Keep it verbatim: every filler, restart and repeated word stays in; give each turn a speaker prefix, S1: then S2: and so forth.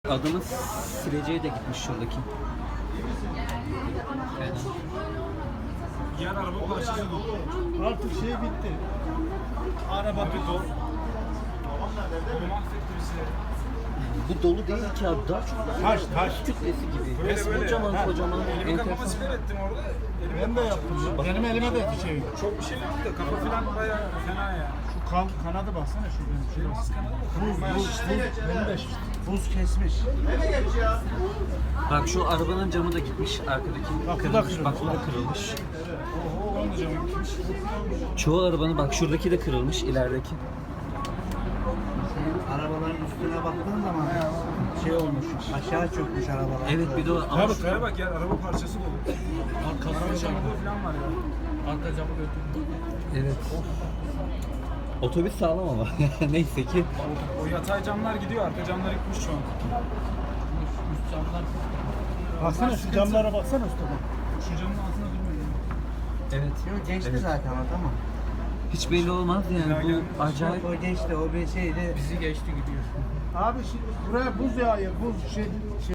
S1: Adamın sileceği de gitmiş şuradaki. Evet.
S2: Diğer araba parçası dolu.
S3: Artık şey bitti.
S2: Araba bir dolu. Bu mahvetti bizi.
S1: Bu dolu değil ki abi, daha çok
S3: Taş taş.
S1: kütlesi gibi.
S2: Böyle
S1: Resmen
S2: böyle.
S1: kocaman
S2: Ha.
S1: kocaman.
S2: Elimi kafama
S1: enteresan.
S2: siper ettim orada. Elimi
S3: Ben de yaptım. ya. Benim elime de şey.
S2: Çok bir şey yok da kafa falan bayağı fena ya.
S3: Şu kan, kanadı baksana şuradan.
S2: Benim az kanadı da
S3: Buz,
S2: kafam bayağı
S3: buz,
S2: şişti.
S3: buz. Benim de şişti. Buz kesmiş.
S1: Bak şu arabanın camı da gitmiş, arkadaki
S3: Bak, bu da
S1: kırılmış.
S3: kırılmış.
S1: Bak bu da kırılmış.
S3: Oho, onun da camı gitmiş.
S1: Çoğu arabanın bak şuradaki de kırılmış, ilerideki.
S4: Arabaların üstüne baktığın zaman şey olmuş, aşağı çökmüş arabalar.
S1: Evet bir de o ama
S3: Tabii,
S2: Şuraya bak ya, araba parçası dolu. Araba camı falan var ya.
S3: Arka camı götürdüm.
S1: evet. Otobüs sağlam ama neyse ki.
S2: O yatay camlar gidiyor, arka camlar gitmiş şu an.
S3: Üst camlar. Baksana şu camlara baksana üstüne.
S2: Şu camın altında durmuyor.
S1: Evet.
S4: Yok geçti
S1: Evet.
S4: zaten o tamam.
S1: Hiç belli olmaz yani, bu acayip.
S4: O geçti, o bir şeydi.
S3: Bizi geçti gidiyor. Abi şimdi buraya buz yağıyor, buz şey, şey